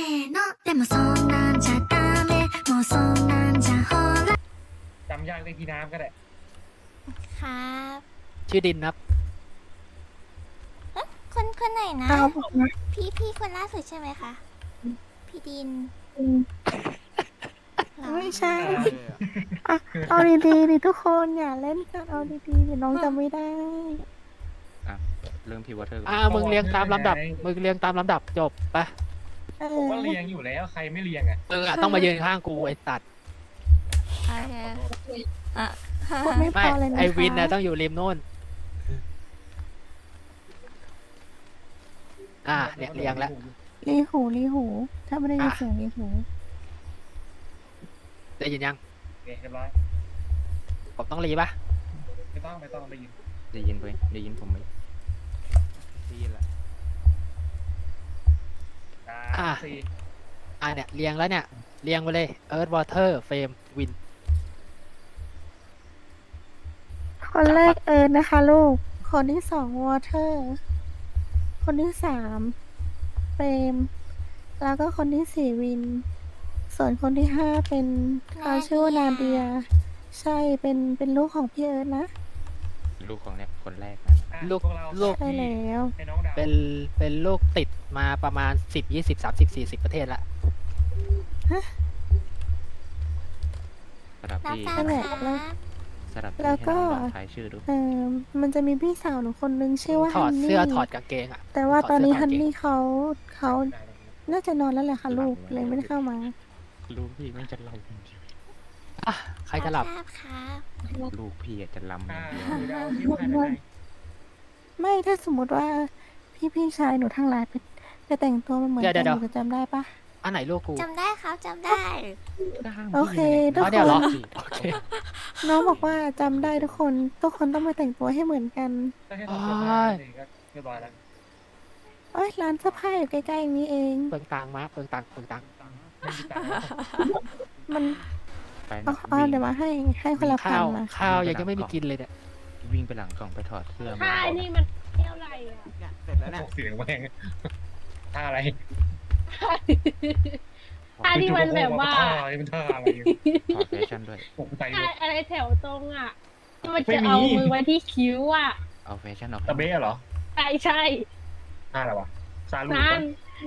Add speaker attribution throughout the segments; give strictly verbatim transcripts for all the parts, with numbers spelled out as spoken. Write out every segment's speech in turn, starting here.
Speaker 1: ーのでもそんなんじゃダメもうそんなんじゃほら
Speaker 2: จำยากเลยพี่น้ำก็ได้
Speaker 3: ครับ
Speaker 4: ชื่อดินครับ
Speaker 3: คนคนไหนนะ
Speaker 5: เอาผมนะ
Speaker 3: พี่พี่คนล่าสุดใช่ไหมคะ พี่ดินเหรอ
Speaker 5: ไม่ใช่อ่ะเอาดีๆดิทุกคนอย่าเล่นกันเอาดีๆเดี๋ยวน้องจำไม่ได้
Speaker 6: อ่ะเริ่มที่วอเตอร์ก่อน
Speaker 4: อ่ามึงเรียงตามลำดับมึงเรียงตามลำดับจบไป
Speaker 5: เอ
Speaker 2: ผม
Speaker 5: อ
Speaker 2: ว่าเรียงอยู่แล้วใครไม่เรียงอ่ะ
Speaker 4: มึงอะต้องมายืนข้างกูไอ้สัตว์
Speaker 3: โอเคอ่ะ
Speaker 5: พูดไม่พ
Speaker 4: ไม่
Speaker 5: อเลยนะคะ
Speaker 4: ไอวินนะต้องอยู่ริมโน่นอ่าเนี่ยเรียงแล้ว
Speaker 5: รีหูรีหู ถ้าไม่ได้ยิน
Speaker 4: อ่ะ
Speaker 5: เสียงรีหู
Speaker 4: ได้ยินยัง
Speaker 2: โอเคเรียบร้อย
Speaker 4: ผมต้องรีปะ
Speaker 2: ไม่ต้องไม่ต้องไปยิน
Speaker 6: ได้ยินไหมได้ยินผมไหมได้ยินละ
Speaker 2: สา
Speaker 4: อ่ะ
Speaker 2: มสี่
Speaker 4: อ่าเนี่ยเรียงแล้วเนี่ยเรียงไปเลย Earth Water Flame Wind
Speaker 5: คนแรกเอิร์นนะคะลูก คนที่สองวอเตอร์ คนที่สามเฟรม แล้วก็คนที่สี่วิน ส่วนคนที่ห้าเป็นเขาชื่อว่านาเดีย ใช่เป็นเป็นลูกของพี่เอิร์นนะ
Speaker 6: ลูกของเนี่ยคนแรกนะ
Speaker 2: อ่ะ
Speaker 4: ลูก
Speaker 2: พวเรา
Speaker 4: ลูก
Speaker 5: ใช่แล้ว
Speaker 2: ให้น้องดาว
Speaker 4: เป็นเป็นลูกติดมาประมาณสิบยี่สิบสามสิบสี่สิบประเทศละ
Speaker 6: สลับ
Speaker 3: รับ
Speaker 6: ที่
Speaker 3: ทราบ
Speaker 5: นั่นแหละ
Speaker 3: ครับ
Speaker 5: แล้ว
Speaker 6: สลับที่
Speaker 5: แล้ว
Speaker 6: ให้
Speaker 5: ก็
Speaker 6: น้องลองทายชื่อดู
Speaker 5: เออมันจะมีพี่สาวหนูคนนึงชื่อว่า
Speaker 4: ถอ
Speaker 5: ฮั
Speaker 4: ด
Speaker 5: นนี่
Speaker 4: เสื้อถอดกางเกงอ่ะ
Speaker 5: แต่ว่า
Speaker 4: ถด
Speaker 5: ตอนนี้
Speaker 4: เสื้
Speaker 5: ฮัน
Speaker 4: ถดกางเกง
Speaker 5: นี่เขาเขาน่าจะนอนแล้วแหละค่ะลูกเลยไม่ได้เข้ามา
Speaker 6: ลูกพี่มันจะลำ
Speaker 4: อ่ะใครจะหลับ
Speaker 3: ทราบครับ
Speaker 6: ลูกพี่อะจะลำอ
Speaker 2: อ่า
Speaker 6: ย่างเดียว
Speaker 2: คือดาวคิดว่าใครเป็นใคร
Speaker 5: ไม่ถ้าสมมติว่าพี่พี่ชายหนูทั้งหลายไปไปแต่งตัวมาเหมือน
Speaker 4: เดี๋ยว
Speaker 5: กัน
Speaker 4: เดี๋
Speaker 5: ห
Speaker 4: ยว
Speaker 5: นูจะจำได้ปะ
Speaker 4: อันไหนลูกกู
Speaker 3: จำได้ครับจำได้
Speaker 6: ก็ห้าม
Speaker 5: โอเค
Speaker 6: พี่
Speaker 5: ทุก
Speaker 6: ไง
Speaker 5: คน
Speaker 4: อ๋อเนี่ยเหรอ
Speaker 6: พี่
Speaker 4: โอเค
Speaker 5: น้องบอกว่าจำได้ทุกคนทุกคนต้องมาแต่งตัวให้เหมือนกัน
Speaker 2: ถ้าให้ตอบเรียบร้อยเลยก็เรียบร้อยแล้ว
Speaker 5: เอ้ยร้านเสื้อผ้าอยู่ใกล้ๆอย่างนี้เอง
Speaker 4: เปลืองตังค์มาเปลืองตังค์เปลืองตังค์
Speaker 2: ไม่มีตังค์แล้ว
Speaker 5: มัน
Speaker 6: ไป
Speaker 5: อ๋อ
Speaker 6: นะ
Speaker 5: อ๋อ
Speaker 6: วิ่ง
Speaker 5: เดี๋ยวมาให้ให้คนละพั
Speaker 4: ข้าน ว
Speaker 5: มา
Speaker 4: ข้าวยังจะไม่มีกินเลยเนี่ย
Speaker 6: วิ่งไปหลังกล่องไปถอดเสื้อมา
Speaker 7: ค่ายนี่มันเที่ยวอะไรอ่ะ
Speaker 2: พวกเสียงแม่งท่าอะไร
Speaker 7: ค่ายนี่มันแบบว่า
Speaker 2: ท่าอะไรมันท่าอะไร
Speaker 6: ถอดแฟชั่นด้วย
Speaker 2: ตกใจหม
Speaker 7: ค่าย
Speaker 2: ด
Speaker 7: อะไรแถวตรงอ่ะที่มัน
Speaker 2: ไม่
Speaker 7: จะ
Speaker 2: มี
Speaker 7: เอามือไว้ที่คิ้วอ่ะ
Speaker 6: เอาแฟชั่นออก
Speaker 2: ตะเบ้เหรอ
Speaker 7: ใช่ใช่
Speaker 2: ท่าอะไรวะซาลู
Speaker 7: นั่น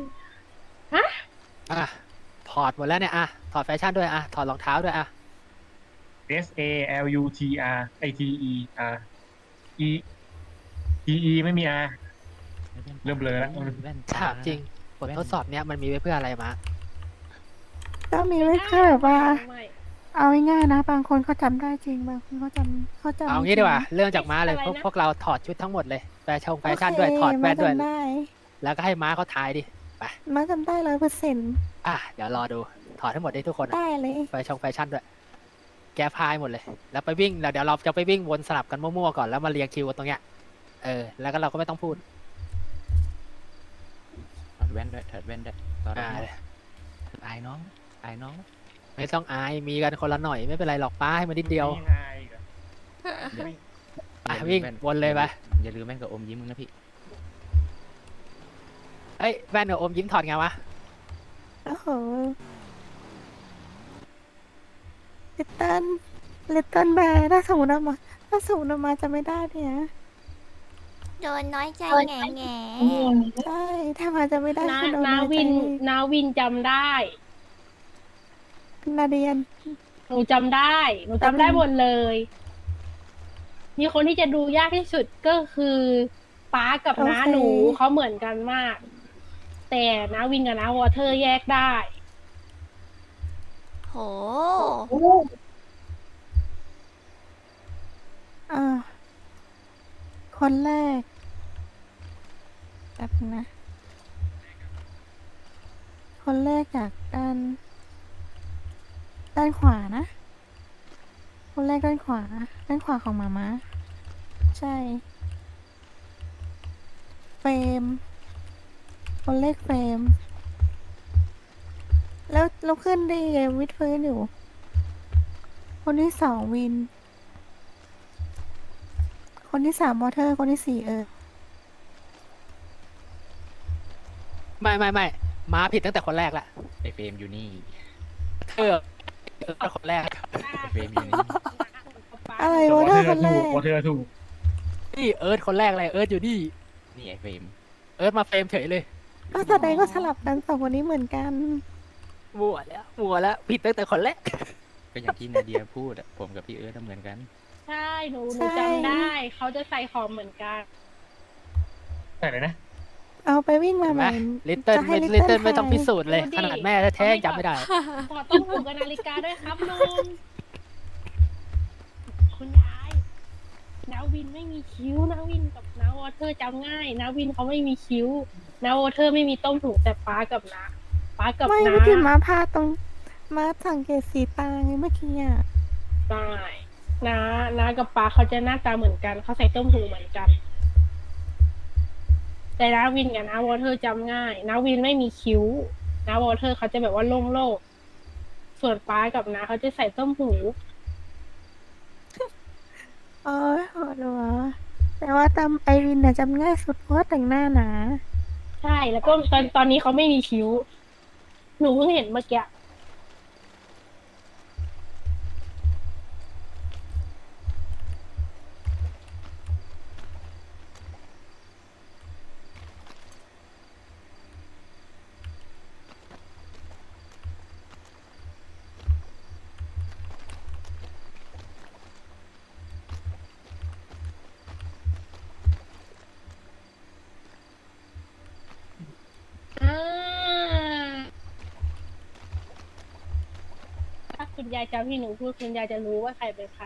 Speaker 4: อ่ะถอดหมดแล้วเนี่ยอ่ะถอดแฟชั่นด้วยอ่ะถอดรองเท้าด้วยอ่ะ
Speaker 2: S A L U T R I T E R E T E ไม่มี R เริ่มเบลอแล้ว
Speaker 6: แว่น
Speaker 4: ถามจริงบททดสอบเนี้ยมันมีไว้เพื่ออะไรมา
Speaker 5: ก็มีไว้แค่แบบว่า
Speaker 7: ไม่
Speaker 5: เอาง่ายๆนะ บางคนเขาจำได้จริงบางคนเขาจำเขาจำ
Speaker 4: เอา
Speaker 5: ไม่
Speaker 4: งี้
Speaker 5: จริ
Speaker 4: ดีกว่าเรื่องจากม้าเลยพวกพวกเราถอดชุดทั้งหมดเลยแฟชั่นแฟชั่น
Speaker 5: โอเค
Speaker 4: ด้วยถอดแว่นด้วย
Speaker 5: มาจำได้
Speaker 4: แล้วก็ให้ม้าเขาทายดิ
Speaker 5: มาจำได้ร้อยเปอร์เซ็นต์
Speaker 4: อ่ะเดี๋ยวรอดูถอดให้หมดได้ทุกคนอะ
Speaker 5: ได้เลย
Speaker 4: แฟชั่นแฟชั่นด้วย แกพายหมดเลย แล้วไปวิ่งแล้วเดี๋ยวเราจะไปวิ่งวนสลับกันมั่วๆก่อนแล้วมาเรียงคิวกันตรงเนี้ยเออแล้วก็เราก็ไม่ต้องพูด
Speaker 6: ถอดแว่นด้วยถอดแว่นด้วยตอน
Speaker 4: อ่า
Speaker 6: นี้อายน้องอายน้อง
Speaker 4: ไม่ต้องอายมีกันคนละหน่อยไม่เป็นไรหรอกป้าให้มันนิดเดียว
Speaker 2: มีอายอีกเหรอ
Speaker 4: อ่ะ
Speaker 6: อย่าลืม
Speaker 4: วิ่ง
Speaker 6: แน
Speaker 4: วนเลยไป
Speaker 6: อย่าลืมแว่นกับอมยิ้มมึงนะพี่
Speaker 4: เอ้ยแว่นกับอมยิ้มถอดไงวะ
Speaker 5: โอ้โหลิตเติ้ลลิตเติ้ลแบร์ถ้าสมมติเอามาถ้าสมมติเอามาจะไม่ได้เนี่ย
Speaker 3: โดนน้อยใจแง่แง่
Speaker 5: ใช่ถ้ามาจะไม่ได้
Speaker 7: นา
Speaker 5: คือโดน
Speaker 7: นา
Speaker 5: น้อยใจ
Speaker 7: วินนาวินจำได้
Speaker 5: นาเดียน
Speaker 7: หนูจำได้ หนูจำได้หมดเลย มีคนที่จะดูยากที่สุดก็คือป้ากับน้าหนูเขาเหมือนกันมาก แต่นาวินกับน้าวอเทอร์แยกได้
Speaker 3: โห
Speaker 5: อ่าคนแรกแบบนะ คนแรกจากด้าน ด้านขวานะ คนแรกด้านขวา ด้านขวาของหมาม้าใช่ เฟรม คนแรกเฟรม แล้วเราขึ้นได้ไงวิดพื้นอยู่ คนที่สองวิน คนที่สามมอเตอร์ คนที่สี่เออ
Speaker 4: ไม่ไม่ไม่ม้าผิดตั้งแต่คนแรกละ
Speaker 6: ไอเฟรมอยู่นี่
Speaker 4: เธอเออคนแรก
Speaker 6: ไอเฟรมอยู่นี่
Speaker 5: อะไร
Speaker 2: แต่
Speaker 5: วะ
Speaker 2: วอ
Speaker 5: เธ
Speaker 2: เท
Speaker 5: อ
Speaker 2: อ
Speaker 5: คน
Speaker 2: ร์
Speaker 5: แร
Speaker 2: ถูก
Speaker 5: ก
Speaker 2: วอเทอร์ถูก
Speaker 4: นี่เอิร์ธคนแรกเลยเอิร์ธอยู่นี่
Speaker 6: นี่ไอเฟรม
Speaker 4: เอิร์ธมาเฟรมเฉยเลย
Speaker 5: ก็แสดงว่าสลับกันสองคนนี้เหมือนกัน
Speaker 4: มัวแล้วมัวแล้วผิดตั้งแต่คนแรก
Speaker 6: ก็อย่างที่นาเดียพูดอะผมกับพี่เอิร์ธเหมือนกัน
Speaker 7: ใช่หนูห
Speaker 5: ใช่
Speaker 7: นูจำได้ เขาจะใส่ของเหมือนกัน
Speaker 2: ใช่เลยนะ
Speaker 5: เอาไปวิ่งมา
Speaker 4: เห็น
Speaker 5: ให
Speaker 4: ไหม
Speaker 5: ม่
Speaker 4: ลิตเติ้ล
Speaker 5: จะให้
Speaker 4: ไม่
Speaker 5: Little
Speaker 4: ลิตเติ้ลไม่ต้อง
Speaker 5: ทาย
Speaker 4: พิสูจน์เลย
Speaker 7: ดูดิ
Speaker 4: ขนาดแม่แท้ๆยังจำไม่ได้
Speaker 7: ขอต้องถูกกับนาฬิกาด้วยครับลุง คุณยายนาวินไม่มีคิ้วนาวินกับนาวอเทอร์จำง่ายนาวินเขาไม่มีคิ้วนาวอเทอร์ไม่มีต้มถุงแต่ป้ากับนาป้ากับ
Speaker 5: ไม่
Speaker 7: นา
Speaker 5: เมื่อกี้ม้าพาตรงม้าสังเกตสีตาไงเมื่อกี้อ่ะ
Speaker 7: ได้นานากับป้าเขาจะหน้าตาเหมือนกันเขาใส่ต้มถุงเหมือนกัน แต่นาวินกับนาวอเทอร์จำง่ายนาวินไม่มีคิ้วนาวอเทอร์เขาจะแบบว่าโล่งๆส่วนป้ากับนาเขาจะใส่ต้มหู
Speaker 5: โอ้ยโหดหัวแต่ว่าจำไอวินน่ะจำง่ายสุดเพราะว่าแต่งหน้าหนา
Speaker 7: ใช่แล้วก็ตอนตอนนี้เขาไม่มีคิ้ว หนูเพิ่งเห็นเมื่อกี้ อ่าถ้าคุณยายจำที่หนูพูดคุณยายจะรู้ว่าใครเป็นใคร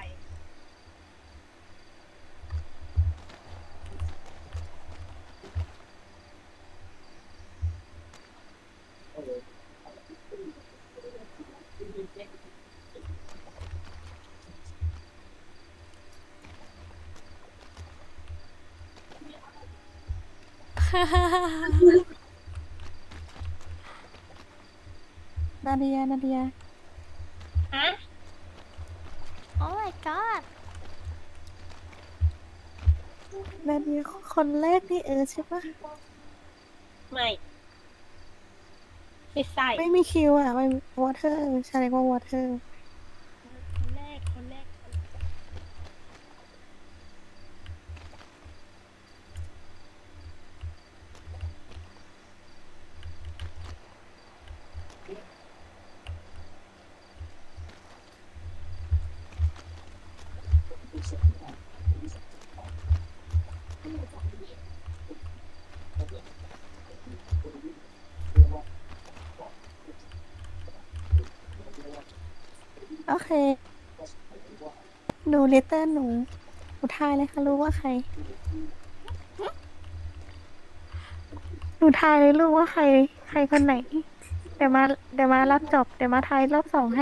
Speaker 5: นาเดียนาเดีย
Speaker 7: ฮะ
Speaker 3: โอ้ my god
Speaker 5: นาเดียคนแรกนี่เออใช่ปะ
Speaker 7: ไม่ ไม่ใส่
Speaker 5: ไม่มีคิวอ่ะไม่วอเทอร์ใช่เรียกว่าวอเทอร์
Speaker 7: คนแรก คนแรก
Speaker 5: โอเค หนูลิตเติ้ลหนูหนูทายเลยค่ะรู้ว่าใคร หนูทายเลยรู้ว่าใคร ใครคนไหน เดี๋ยวมาเดี๋ยวมารับจบ เดี๋ยวมาทายรอบสองให้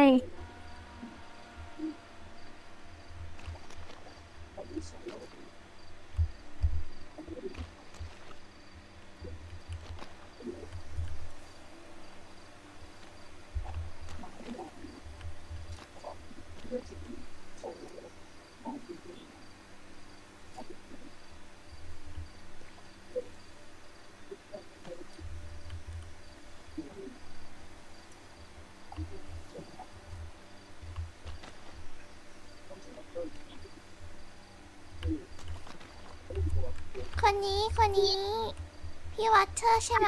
Speaker 3: คนนี้คนนี้ พี่วัตเตอร์ใช่ไหม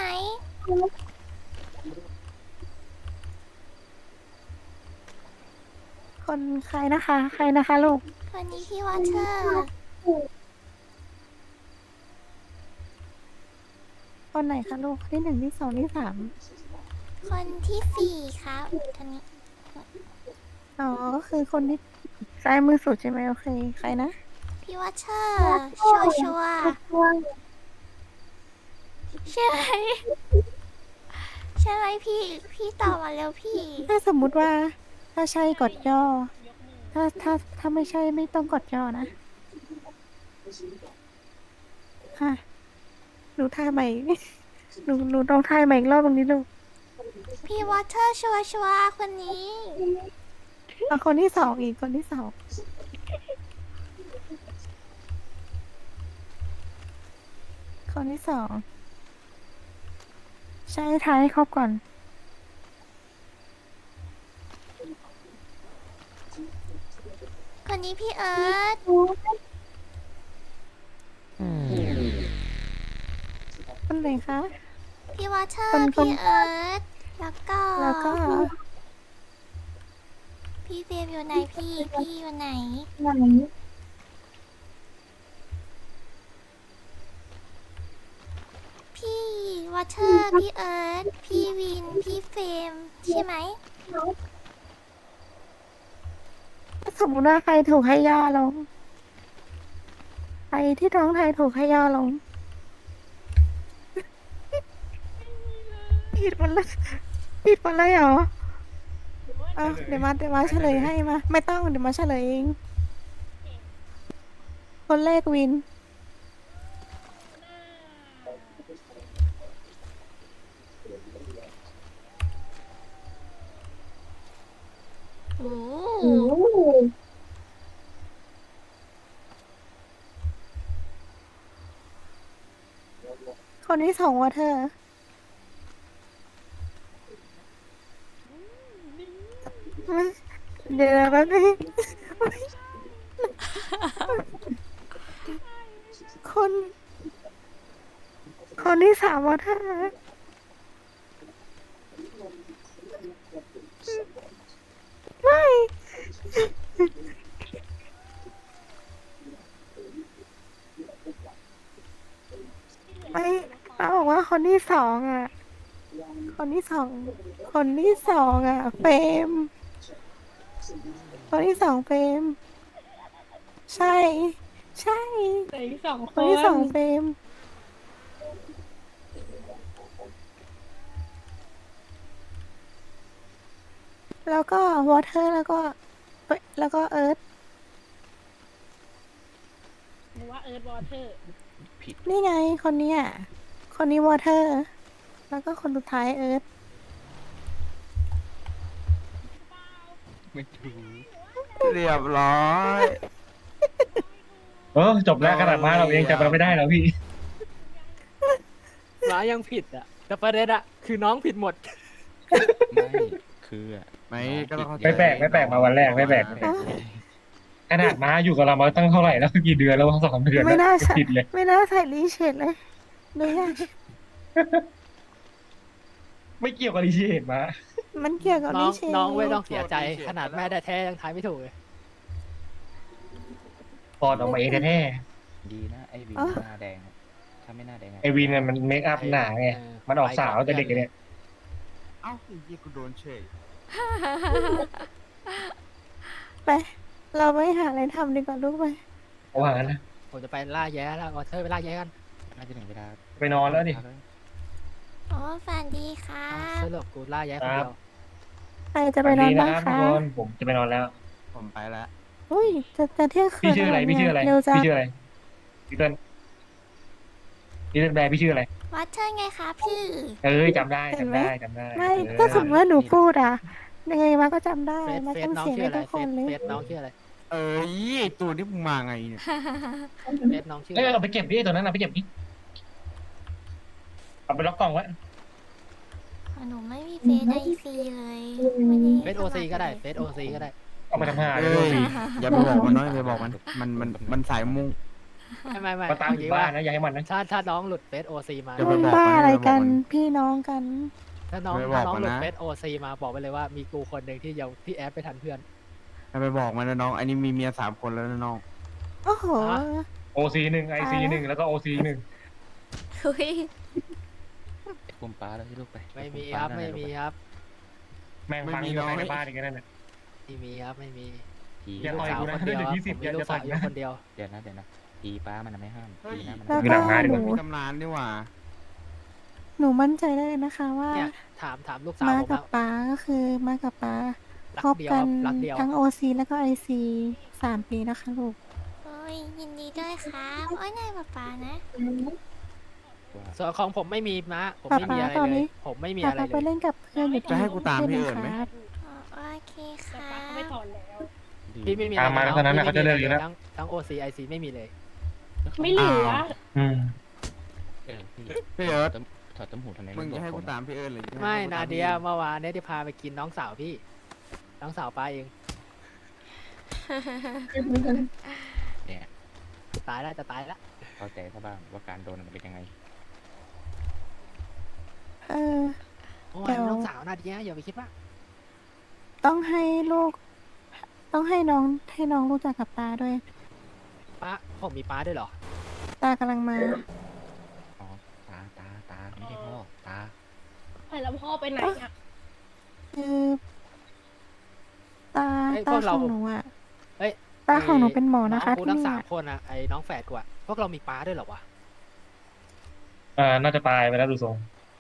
Speaker 5: คนใครนะคะ ใครนะคะลูก
Speaker 3: คนนี้พี่วัตเตอร์
Speaker 5: คนไหนคะลูกที่หนึ่งที่สองที่สาม
Speaker 3: คนที่สี่ครับคนนี้
Speaker 5: อ๋อ ก็คือคนที่ซ้ายมือสุดใช่ไหมโอเค ใครนะ
Speaker 3: พี่วัตเตอร์ชัวร์ชัวร์ใช่ไหมใช่ไหมพี่ พี่ตอบมาเร็วพี่
Speaker 5: ถ้าสมมุติว่า ถ้าใช่กดย่อ ถ้าถ้าถ้าไม่ใช่ไม่ต้องกดย่อนะค่ะหนูทายใหม่ หนูหนูต้องทายใหม่อีกรอบตรงนี้ลูก
Speaker 3: พี่วัตเตอร์ชัวร์ชัวร์คนนี้
Speaker 5: เอาคนที่สองอีกคนที่สองคนที่สองใช่ทายให้ครบก่อน
Speaker 3: คนนี้พี่เอิร์ธ
Speaker 5: คนไหนคะ
Speaker 3: พี่วอเตอ
Speaker 5: คน
Speaker 3: ร์
Speaker 5: คน
Speaker 3: พี่เอิร์ธแล้วก็
Speaker 5: แล้วก็
Speaker 3: พี่เฟรมอยู่ไหนพี่ พี่อยู่ไหน พี่วอเตอร์ พี่เอิร์ธพี่วิน พี่เฟรมใช่ไหม
Speaker 5: สมมติว่าใครถูกให้ย่อลง ใครที่ท้องไทยถูกให้ย่อลง ผิดหมดเลยผิดหมดเลยเหรออ่ะเดี๋ยวมาเดี๋ยวมาเฉลยให้มา ไม่ต้องเดี๋ยวมาเฉลยเอง คนแรกวิน
Speaker 3: โอ้
Speaker 5: คนที่สองวอเธอร์เดี๋ยวนะแป๊บนึงคน คนที่สามวอเธอร์ไม่ ไม่ป้าบอกว่าคนที่สองอ่ะ คนที่สอง คนที่สองอ่ะเฟรมคนที่สองเฟรมใช่ ใช่
Speaker 7: แต่อีกสองค
Speaker 5: คน
Speaker 7: น
Speaker 5: ที่สองเฟรมแล้วก็วอเตอร์แล้วก็เอ้ยแล้วก็เอิร์ธ
Speaker 7: หรือว่าเอิร์ธวอเตอร์
Speaker 6: ผิด
Speaker 5: นี่ไงคนนี้อ่ะ คนนี้วอเตอร์ แล้วก็คนสุดท้ายเอิร์ธ
Speaker 6: ไม่ถูก
Speaker 8: เรียบร้อย
Speaker 2: เออจบแล้วขนาดมาเราเองจำเราไม่ได้แล้วพี่
Speaker 4: ร้ายยังผิดอ่ะ แต่ประเด็นอ่ะ คือน้องผิดหมด
Speaker 6: ไม่คืออะ
Speaker 8: ไม่ก็ต้องเข้าใจ
Speaker 2: ไม่แปลกไม่แปลกมาวันแรกไม่แปลก ขนาดมาอยู่กับเรามาตั้งเท่าไหร่แล้วกี่เดือนแล้วสองเดือนแล้ว
Speaker 5: ไม่น่าใส่
Speaker 2: ผิดเลย
Speaker 5: ไม่น่าใส่รีเชดเลยดูยัง
Speaker 2: ไม่เกี่ยวกับรีเชดมา
Speaker 5: มันเกี่ยวกับ
Speaker 4: น้
Speaker 5: รี
Speaker 4: อง
Speaker 5: เชด
Speaker 4: น้องไม่ต้องเสียใจ ขนาดแม่แท้ๆยังทายไม่ถูกเลย
Speaker 2: ปอดออกมาเองแท้
Speaker 6: ดีนะไอวินหน้าแดงอะถ้าไม่หน้าแดงะ
Speaker 2: ๆไอวินน่ะมันเมคอัพหนาไง
Speaker 4: เออ
Speaker 2: มันออกสาวแต่เด็กเนี่ย
Speaker 8: เอ้าไอ้ยี่กูโดนเฉย
Speaker 5: ไป เราไปหาอะไรทำดีกว่าลูกไป
Speaker 2: เอาหานะ
Speaker 4: ผมจะไปล่าแย้แล้ววอเตอร์ไปล่าแย้กัน
Speaker 6: น่าจะถึงเวลา
Speaker 2: ไปนอนแล้วดิ
Speaker 3: โอ้ฝันดีครั
Speaker 4: อ้าว
Speaker 3: บ
Speaker 4: สรุปกูล่าแย้คนเดียว
Speaker 5: ใครจะไปนอนบ้าง
Speaker 2: วั
Speaker 5: คะ
Speaker 2: ทุกคนผมจะไปนอนแล้ว
Speaker 8: ผมไปแล้ว
Speaker 5: อุ้ย จะจะเที่ยงคืน
Speaker 2: พี่ชื่ออะไร
Speaker 5: แล้ว
Speaker 2: พี่ชื่ออะไร
Speaker 5: เร็วจัง
Speaker 2: พี่ชื่ออะไรพี่เติ้ลพี่เติ้ลแบร์พี่ชื่ออะไร
Speaker 3: วอเตอร์ไงคะพี่
Speaker 2: เอ้ยจำได้จำได้จำได้
Speaker 5: ไม่
Speaker 2: เออ
Speaker 5: ก็สมมติว่าหนูพูดอ่ะ ยังไงมาก็จำได้
Speaker 4: เฟซ
Speaker 5: มา
Speaker 4: เฟซ
Speaker 5: ต้อง
Speaker 4: น้อง
Speaker 5: เสียง
Speaker 4: ชื่อ
Speaker 5: ให้
Speaker 4: อะไร
Speaker 5: ทุกคนเลย
Speaker 4: เฟซน้องชื่ออะไร
Speaker 8: เอ้ยไอ้ตัวนี้มึงมาไงเนี่ย
Speaker 4: เฟซน้องชื่อ
Speaker 2: เอ้ย
Speaker 4: อะไร
Speaker 2: เอาไปเก็บดิตัวนั้นเอาไปเก็บดิเอาไปล็อกกล่องไว้
Speaker 3: หนูไม่มีเฟซไอซีเลยไม่ได้
Speaker 4: เฟซโอซีก็ได้ เฟซโอซีก็ได้
Speaker 2: เอาไปทำหาเล
Speaker 8: เอ้
Speaker 2: ย
Speaker 8: ยอย่าไปบอกมันน้อยอย่าไปบอกมัน มันมันมันสายมุ่ง
Speaker 4: ไม่ไม่ไม่
Speaker 2: มาตาม
Speaker 4: เอ
Speaker 2: ถึ
Speaker 4: งี้
Speaker 2: งบ้า
Speaker 4: ว่าน
Speaker 2: นะอย่าให้มันนะ
Speaker 4: ถ้าถ้าน้องหลุดเฟซโอซีมา
Speaker 8: อย่าไป
Speaker 5: มัน
Speaker 8: บอก
Speaker 5: บ้า
Speaker 8: มัน
Speaker 5: อะไรกัน
Speaker 8: อย่าไปบอกมัน
Speaker 5: พี่น้องกัน
Speaker 4: ถ้าน้อง
Speaker 8: ไม่บ
Speaker 4: ถ้า
Speaker 8: อก
Speaker 4: น้อง
Speaker 8: มัน
Speaker 4: หลุด
Speaker 8: นะ
Speaker 4: เฟซโอซีมาบอกไปเลยว่ามีกูคนหนึ่งที่ยังที่แอดไปทันเพื่อน
Speaker 8: อย่าไปบอกมันนะน้อง อันนี้มีเมียสามคนแล้วนะน้อง
Speaker 5: โอ้โห
Speaker 4: ฮะ
Speaker 2: โอซีหนึ่งไอซีหนึ่งแล้วก็โอซีหนึ่ง
Speaker 3: เฮ้ย
Speaker 6: ไอ้ปุ่มป้าแล้วที่ลูกไป
Speaker 4: ไม่มี
Speaker 6: อ้
Speaker 4: ครับ
Speaker 6: ปุ่
Speaker 4: ไม่
Speaker 6: ป้า
Speaker 4: มี
Speaker 6: นั่น
Speaker 4: ครับ
Speaker 2: แม่งฟัง
Speaker 8: ไม่มี
Speaker 2: อยู่
Speaker 8: น้อย
Speaker 2: ในบ้านอีกนั่นน่ะ
Speaker 4: ไม่มีครับไม่มี
Speaker 6: ผี
Speaker 2: อย่า
Speaker 4: ลู
Speaker 2: ต่
Speaker 4: ก
Speaker 2: อย
Speaker 4: สาว
Speaker 2: กูนะ
Speaker 4: คนเดียว
Speaker 2: เดี๋ยว
Speaker 4: ครับ
Speaker 2: ยี่สิบ
Speaker 4: ผมมี
Speaker 2: อย่า
Speaker 4: ลู
Speaker 2: จะ
Speaker 4: กสาว
Speaker 2: ต่อย
Speaker 4: อยู่
Speaker 2: นะ
Speaker 4: คนเดียว
Speaker 6: เดี๋ยวนะเดี๋ยวนะผีป้ามันนะไม่ห้าม
Speaker 8: เฮ้ย
Speaker 6: ผีนะมัน
Speaker 5: แล้ว
Speaker 2: มี
Speaker 5: ก็
Speaker 2: หลังมาดี
Speaker 5: ห
Speaker 2: กว่า
Speaker 5: นู
Speaker 8: มีตำนานดีกว่า
Speaker 5: หนูมั่นใจได้เลยนะคะว่า
Speaker 4: เนี่ยถามถามลูกสาว
Speaker 5: มา
Speaker 4: ผม
Speaker 5: กับ
Speaker 4: อะ
Speaker 5: ป้าก็คือมากับป้า
Speaker 4: รั
Speaker 5: ค
Speaker 4: ก
Speaker 5: บ
Speaker 4: เดียว
Speaker 5: กั
Speaker 4: คน รับรักเดียว
Speaker 5: ทั้งโอซีแล้วก็ไอซีสามปีนะคะลูก
Speaker 3: โอ้ยยินดีด้วยครับโอ้ยนายป๊าป๊านะ
Speaker 6: ว่า
Speaker 4: ส่วนของผมไม่มีนะผมไม่มีอะไร
Speaker 5: ป๊าป๊าตอน
Speaker 4: เล
Speaker 5: นี้
Speaker 4: ย ผมไม่มี
Speaker 5: ป้า
Speaker 4: อะไร
Speaker 5: ป้า
Speaker 4: เล
Speaker 5: ไป
Speaker 4: ย
Speaker 5: เล่นกับเพื่อนอยู่ที่
Speaker 8: จะให้กูตามพี่เอิญไหม
Speaker 5: ครับ
Speaker 3: อ๋อโอเคค
Speaker 7: แต่
Speaker 3: รั
Speaker 7: ป้าก็ไม่
Speaker 3: บ
Speaker 7: ถอนแล้ว
Speaker 6: ดี
Speaker 4: พี่ไม่มี
Speaker 2: ตามมาแล้วเท่านั้นน่ะเขาจะเลิกอยู่แล้ว
Speaker 4: ทั้งทั้งโอซีไอซีไม่มีเลย
Speaker 7: ไม่เหลือ
Speaker 2: อืม
Speaker 6: เออพี่
Speaker 8: พี่เอิร์ธ
Speaker 6: ตถอดต้มหูทำไม
Speaker 8: มึง
Speaker 6: บ
Speaker 8: จะ
Speaker 6: อก
Speaker 8: ให้
Speaker 6: ผ
Speaker 8: กู
Speaker 6: ม
Speaker 8: ตามพี่เอิญหรือจะให้
Speaker 4: ไม่
Speaker 8: กูต
Speaker 4: นาเดีย
Speaker 8: พี่
Speaker 4: เมื่อวานเนี่ยที่พาไปกินน้องสาวพี่ น้องสาวป้าเอง
Speaker 6: เนี่ย
Speaker 4: จะตายแล้วจะตายแล้ว
Speaker 6: เข้าใจซะบ้างว่าการโดนมันเป็นยังไง
Speaker 5: เออ
Speaker 4: โอ้ย
Speaker 5: เดี๋ยว
Speaker 4: น้องสาวนาเดียอย่าไปคิดว่า
Speaker 5: ต้องให้ลูก ต้องให้น้องให้น้องรู้จักกับตาด้วย
Speaker 4: ป้าผมมีป้าด้วยเหรอ
Speaker 5: ตากำลังมา
Speaker 6: อ๋อ ตา ตา ตา ไม่ใช่พ่อ ตา
Speaker 7: ไปแล้วพ่อไปไหนอ่ะ
Speaker 5: คือตา
Speaker 4: เอ้ย
Speaker 5: ตา
Speaker 4: พวก
Speaker 5: ข
Speaker 4: เรา
Speaker 5: องหนูอ่ะ
Speaker 4: เอ้ย
Speaker 5: ตาของหนูเป็นหมอนะคะ
Speaker 4: องกู
Speaker 5: ที่
Speaker 4: ทั้ง
Speaker 5: นี่
Speaker 4: สาม
Speaker 5: อะ
Speaker 4: คนอะไอ้น้องแฝดกูอะพวกเรามีป้าด้วยเหรอวะ
Speaker 2: เออน่าจะตายไปแล้วดูทรง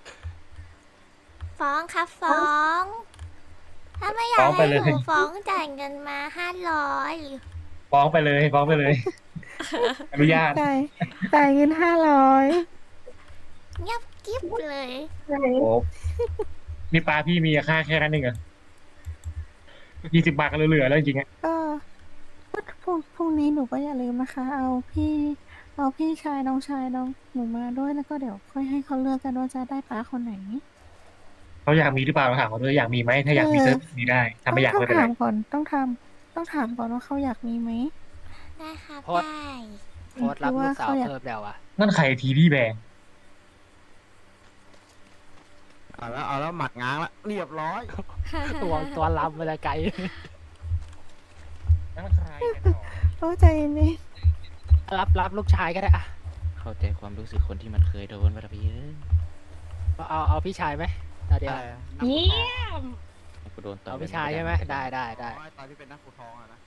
Speaker 3: ฟ้องครับฟ้อง ถ้าไม่อยา
Speaker 2: ฟ้
Speaker 3: ก
Speaker 2: องไป
Speaker 3: ให้
Speaker 2: เลย
Speaker 3: หนูฟ้องจ่ายเงินมาห้าร้อย
Speaker 2: ฟ้องไปเลยฟ้องไปเลย อนุญาต
Speaker 5: จ่ายจ่ายเงินห้าร้อย
Speaker 3: เงียบกิ๊บเลย
Speaker 2: โอ้นี่ปลาพี่มีค่าแค่นั้นเองเหรอยี่สิบบาทก็เหลือๆแล้วจริงๆอะ
Speaker 5: ก็พรุ่งพรุ่งนี้หนูก็อย่าลืมนะคะ เอาพี่ เอาพี่ชายน้องชายน้องหนูมาด้วยแล้วก็เดี๋ยวค่อยให้เขาเลือกกันว่าจะได้ป้าคนไหน
Speaker 2: เขาอยากมีหรือเปล่าเราถามเขาด้วยอยากมีไหมถ้าอยากมี
Speaker 5: เออ
Speaker 2: เซิร์ฟมีได้ถ้าไม่อยาก
Speaker 5: ต้อ
Speaker 2: ไม่
Speaker 5: ง
Speaker 2: เป็นไร
Speaker 5: ถามก่อนต้องทำต้องถามก่อนว่าเขาอยากมีไหม
Speaker 3: ได้ครับ
Speaker 4: โพสต์
Speaker 3: ได้
Speaker 4: โพสต์รับลูกสาว
Speaker 5: หรือว่าเขาอยาก
Speaker 4: เพิ่มแล้วอะ
Speaker 2: นั่นใครทีดีแบง
Speaker 8: เอาแล้วเอาแล้วหมัดง้างละเรียบร้อย
Speaker 4: ตัวตัวลำเวลาไกล
Speaker 2: นั่นใครกันหรอ
Speaker 5: โอ้ใจเย็น
Speaker 4: รับรับลูกชายก็ได้อะ
Speaker 6: เข้าใจความรู้สึกคนที่มันเคยโดนวัตพี่เอ้ย
Speaker 4: เอาเอาพี่ชายไหมนาเดีย
Speaker 8: อะไรอะ
Speaker 7: เยี่ยม
Speaker 6: กูโดนต่อย
Speaker 4: เอาพี่ชายใช่ไหมได้ได้ได้
Speaker 8: อ๋อตอนที่เป็นนักขุดทองอะนะ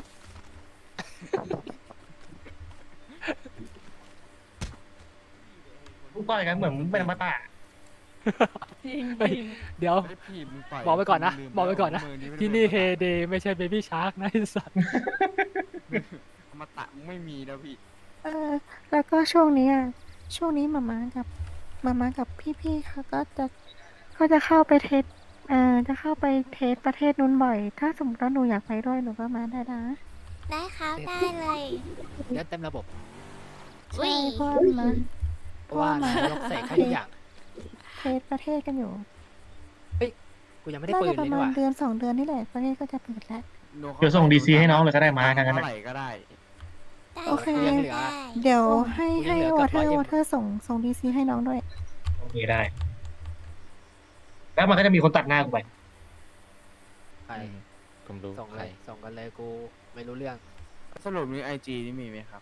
Speaker 2: ลูกต่อยกันเหมือนเป็นอมตะ
Speaker 7: จริง
Speaker 4: เฮ้ยเดี๋ยว
Speaker 8: เฮ้ยพี่มึงต่ย
Speaker 4: บอกไว้ก่อนนะ
Speaker 8: ลืม
Speaker 4: บอกไว้ก่อนนะ
Speaker 8: มืไม่ได้
Speaker 4: ที่นี่
Speaker 8: ป็
Speaker 4: เฮเดไม่ใช่เบบี้ชาร์กนะไอ้สัส
Speaker 8: อมตะมึงไม่มีนะพี่
Speaker 5: ๆเออแล้วก็ช่วงนี้อ่ะช่วงนี้มาม่ากับมาม่ากับพี่ๆเขาก็จะเขาจะเข้าไปเทสเอ่อจะเข้าไปเทสประเทศนู้นบ่อย ถ้าสมมติว่าหนูอยากไปด้วยหนูก็มาได้นะ
Speaker 3: ได้ครับได้เลย
Speaker 4: เล่นเต็มระบบ
Speaker 3: อุ้
Speaker 5: ใช่
Speaker 3: ย
Speaker 5: เพราะว่ามา
Speaker 4: เพราะว่านายกเสกให้ทุกอย่าง
Speaker 5: เทสประเทศกันอยู่
Speaker 4: กูยังไม่ได้
Speaker 5: น่า
Speaker 4: ปื
Speaker 5: จะ
Speaker 4: น
Speaker 5: ป
Speaker 4: เลย
Speaker 5: ระ
Speaker 4: นี่
Speaker 5: มา
Speaker 4: ห
Speaker 5: ณ
Speaker 4: ว่า
Speaker 5: เดือนสองเดือนนี่แหละประเทศก็จะเปิดแล้ว
Speaker 2: เดี๋ยวส่งดีซีให้น้องเลยก็ได้มาทางนั้น
Speaker 8: เท่า
Speaker 2: นะ
Speaker 8: ไหร่ก็ได้
Speaker 3: ได้
Speaker 5: โอเค
Speaker 3: รับ
Speaker 4: เหลือ
Speaker 3: ได้
Speaker 5: เดี๋ยวให้
Speaker 4: กูยั
Speaker 5: ให้
Speaker 4: งเหลือ
Speaker 5: ว
Speaker 4: เกื
Speaker 5: อ
Speaker 4: อบ
Speaker 5: เทอ
Speaker 4: ร้อย
Speaker 5: ร์
Speaker 4: เอ็ม
Speaker 5: วอเทอร์ส่งส่งดีซีให้น้องด้วย
Speaker 2: โอเคได้ แล้วมันก็จะมีคนตัดหน้ากูไป
Speaker 4: ไป
Speaker 6: อืมผมรู้
Speaker 4: ส่ง
Speaker 6: ใค
Speaker 4: เล
Speaker 6: ร
Speaker 4: ยส่งกันเลยกูไม่รู้เรื่อง
Speaker 8: สรุปนี้ไอจีนี่มีไหมครับ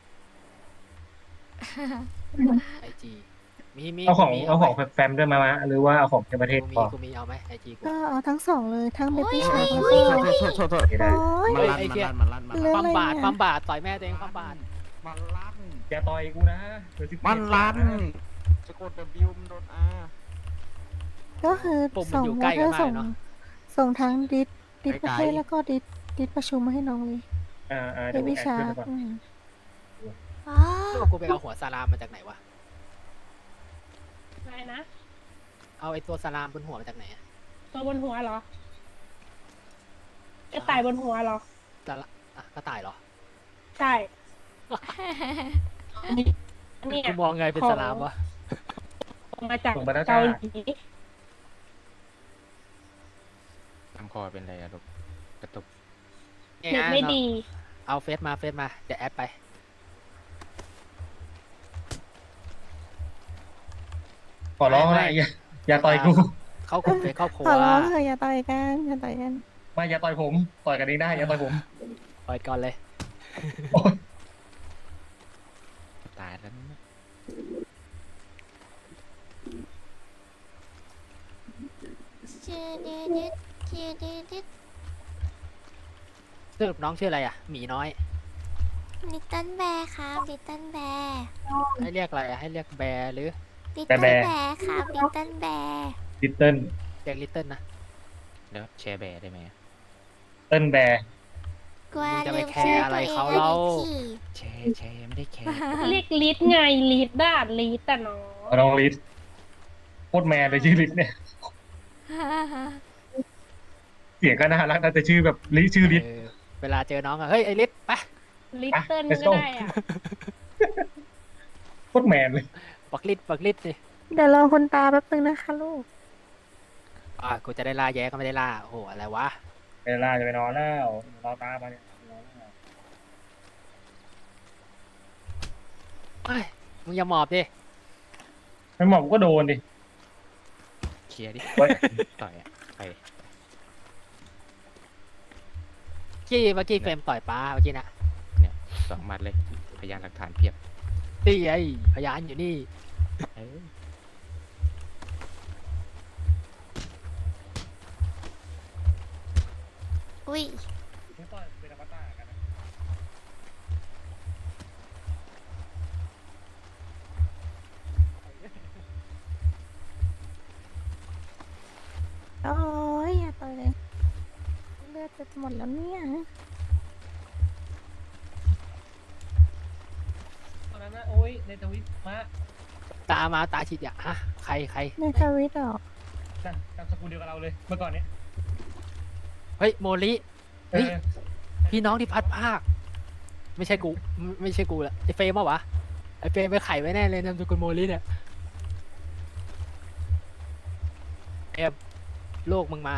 Speaker 4: ไอจีมีมี
Speaker 2: เอาของ
Speaker 4: มี
Speaker 2: เอาของ
Speaker 4: ไหม
Speaker 2: แฟมด้วยมามาหรือว่าเอาของในประเทศ
Speaker 4: กูมี
Speaker 2: พอ
Speaker 4: กูมีเอาไหมไอจีกู
Speaker 5: ก็เอาทั้งสองเลยทั้งเบบี้ชาร์
Speaker 8: โท
Speaker 5: แล้ว
Speaker 8: ษ
Speaker 5: ก็
Speaker 8: โทษโทษโทษโทษ
Speaker 2: โอเคได้
Speaker 5: โอ้ย
Speaker 8: มันลั่น
Speaker 4: ไอ้
Speaker 8: มัน
Speaker 4: เหี้ย
Speaker 8: ลั่นมันลั่นมัน
Speaker 5: เรื่อง
Speaker 8: ลั่น
Speaker 4: ความบาด
Speaker 5: อะไรอะ
Speaker 4: ความบาดต่อยแม่ตัวเองความบาด
Speaker 8: มันลั่น
Speaker 2: อย่าต่อยกูนะเดี๋ยวสิบเจ็ด
Speaker 8: มันลั่น
Speaker 2: บาทะ
Speaker 8: สะกด W มันโดน R
Speaker 5: ก็คือ
Speaker 4: ปุ่มมัน
Speaker 5: ส่ง
Speaker 4: อยู่
Speaker 5: ว
Speaker 4: ใก
Speaker 5: อ
Speaker 4: ล้
Speaker 5: เท
Speaker 4: กั
Speaker 5: อน ร์
Speaker 4: มาก
Speaker 5: ส่ง
Speaker 4: เนอะ
Speaker 5: ส่งทั้งดิสดิส
Speaker 8: ไกลๆ
Speaker 5: ประเทศแล้วก็ดิสดิสประชุมมาให้น้องเลย
Speaker 2: อ่าอ่า
Speaker 5: เบ
Speaker 2: เดี๋ยวผม
Speaker 5: บี้
Speaker 2: แอด
Speaker 5: ชา
Speaker 2: ขึ้น
Speaker 5: ร์
Speaker 2: ไปก่อน
Speaker 3: อ๋อ
Speaker 4: ลูกกูไปเอาหัวสลามมาจากไหนวะ
Speaker 7: อะไรนะ
Speaker 4: เอาไอตัวสลามบนหัวมาจากไหนอะ
Speaker 7: ตัวบนหัวเหรอ กระต่ายบนหัวเหรอ
Speaker 4: สละอ่ะกระต่ายเหรอ
Speaker 7: ใช่อันนี้เนี่ย
Speaker 4: กูมองไงเป็นสลามวะ
Speaker 7: มาจาก
Speaker 2: ส่งไปแล้ว
Speaker 7: เกา
Speaker 2: จ้า
Speaker 7: หลี
Speaker 6: ทำคอเป็นไรอะลูกกระตุก
Speaker 7: เน็ตไม่ดี
Speaker 4: เอาเฟซมาเฟซมาเดี๋ยวแอดไป
Speaker 2: ขอร้อง
Speaker 4: ไม่
Speaker 2: นะอย่าอย่าต่อยกู
Speaker 4: เข้ากลุ่มเฟซครอบครัว
Speaker 5: ขอร้องเถอะอย่าต่อยกันอย่าต่อยกัน
Speaker 2: ไม่อย่าต่อยผมต่อยกันเองได้อย่าต่อยผม
Speaker 4: ปล่อยก่อนเลย
Speaker 2: โอ๊ย
Speaker 6: ตายแล้วนะ
Speaker 3: ชื่อดิดิดชื่อดิดิด
Speaker 4: สรุปน้องชื่ออะไรอ่ะหมีน้อย
Speaker 3: ลิตเติ้ลแบร์ครับลิตเติ้ลแบร์
Speaker 4: ให้เรียกอะไรอะให้เรียกแบร์หรือ
Speaker 3: ลิตเติ้ลแบร์ครับลิตเติ้ลแบร์
Speaker 2: ลิตเติ้ล
Speaker 4: เรียกลิตเติ้ลนะ
Speaker 6: แล้วแชร์แบร์ได้ไหมอะ
Speaker 2: เติ้ลแบร์
Speaker 3: กลัว
Speaker 4: มึงจะไป
Speaker 3: ลืม
Speaker 4: แคร์
Speaker 3: ชื่อ
Speaker 4: อะไร
Speaker 3: ตัวเอง
Speaker 4: เขา
Speaker 3: แล้ว
Speaker 4: เล่า
Speaker 3: ดิขี่
Speaker 6: แชร์แชร์ไม่ได้แคร์
Speaker 7: เรียกลิดไงลิดด้าลิดแต่น้อง
Speaker 2: น้องลิสโคตรแมนเลยชื่อลิสเนี่ย เสียงก็น่ารักนะแต่ชื่อแบบลิชื่อลิส
Speaker 4: เออเวลาเจอน้องอะเฮ้ยไอลิตไป
Speaker 7: ลิตเติ้ล
Speaker 2: let's
Speaker 7: ก็
Speaker 2: go
Speaker 7: ได้อะ
Speaker 2: โคตรแมนเลย
Speaker 4: ปักลิตปักลิตสิ
Speaker 5: เดี๋ยวรอคุณตาแป๊บนึงนะคะลูก
Speaker 4: อ่ากูจะได้ล่าแย้ก็ไม่ได้ล่าโอ้โหอะไรวะ
Speaker 2: เวลาจะไปนอนแล้วรอตามมาเนี่ยนอนแล้ว
Speaker 4: เฮ้ยมึงอย่าหมอบดิ
Speaker 2: ไม่หมอบก็โดนดิ
Speaker 6: เคลียร์ดิ
Speaker 2: เว้ย
Speaker 6: ต่อยอ่ะไป
Speaker 4: กี้เมื่อกี้เฟรมต่อยป้าเมื่อกี้นะ
Speaker 6: เนี่ยสองหมัดเลย พยานหลักฐานเพียบ
Speaker 4: นี่ไอ้พยานอยู่นี่
Speaker 6: เออ
Speaker 3: อุ้ย
Speaker 2: ไม่ต่อยเป็นอมตะกันนะ
Speaker 5: โอ้ยอย่าต่อยเลยเลือดจะหมดแล้วเนี่ย
Speaker 2: ตอนนั้นนะโอ้ยในทวิตมา
Speaker 4: ตามาตาฉีดยาฮะใครใคร
Speaker 5: ในทวิตเหรอ
Speaker 2: นะนามสกุลเดียวกับเราเลยเมื่อก่อนเนี้ย
Speaker 4: เฮ้ยโมลิ
Speaker 2: เอ
Speaker 4: เฮ้ย
Speaker 2: อ
Speaker 4: พี่น้องที่พัดภาค ไม่ใช่กูไม่ไม่ใช่กูละไอเฟรมปะวะไอเฟรมไปไขไว้แน่เลยนามสกุลโมลิเนี่ยเอฟลูกมึงมา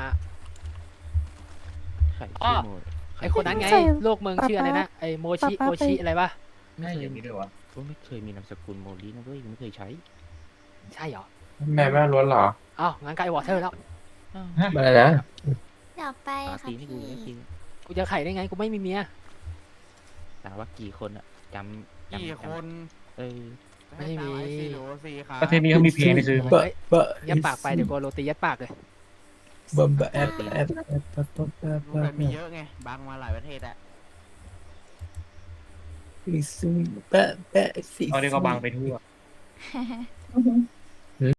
Speaker 6: ใคร
Speaker 4: อ้อ
Speaker 6: ชื่อโม
Speaker 4: ไอคนนั้นไงลูกมึงชื่ออะไรนะไอโมชิโมชิอะไรปะ
Speaker 6: ไม่
Speaker 2: ให้
Speaker 6: เค
Speaker 2: อย ย่างนี้ด้วยวะ
Speaker 6: ก็ไม่เคยมีนามสกุลโมลีนะเว้ยไม่เคยใช้
Speaker 4: ใช่เหรอ
Speaker 9: แม่แม่ล้วนเหรอ
Speaker 4: อ้าวงั้นไกลวอเตอร์แล้ว
Speaker 9: อะไรนะ
Speaker 3: เดี๋ยวไป
Speaker 6: ปา
Speaker 3: ค่ะ
Speaker 6: ตีให้กู
Speaker 3: พี่
Speaker 6: ได้จริง
Speaker 4: กูจะไขได้ไงกูไม่มีเมีย
Speaker 6: ถามว่ากี่คนอ่ะจำจำ
Speaker 8: กี่
Speaker 6: จำ
Speaker 8: คน
Speaker 6: เออ
Speaker 4: ไม่มี
Speaker 8: ไอซีหรือสี่ครับ
Speaker 2: ประเทศนี้เขามีเพลงให้ซื้อไหม
Speaker 9: บะบะ
Speaker 4: ยัดปากไปเดี๋ยวกูโรตียัดปากเลย
Speaker 9: บะบะแอดแอดแอดบะบะบะ
Speaker 8: รู้
Speaker 9: บะ
Speaker 8: แต่มีเยอะไงบางมาหลายประเทศอะ
Speaker 9: อีซูบะบะสี
Speaker 2: เอาเดี๋ยวก็บังไปทั่ว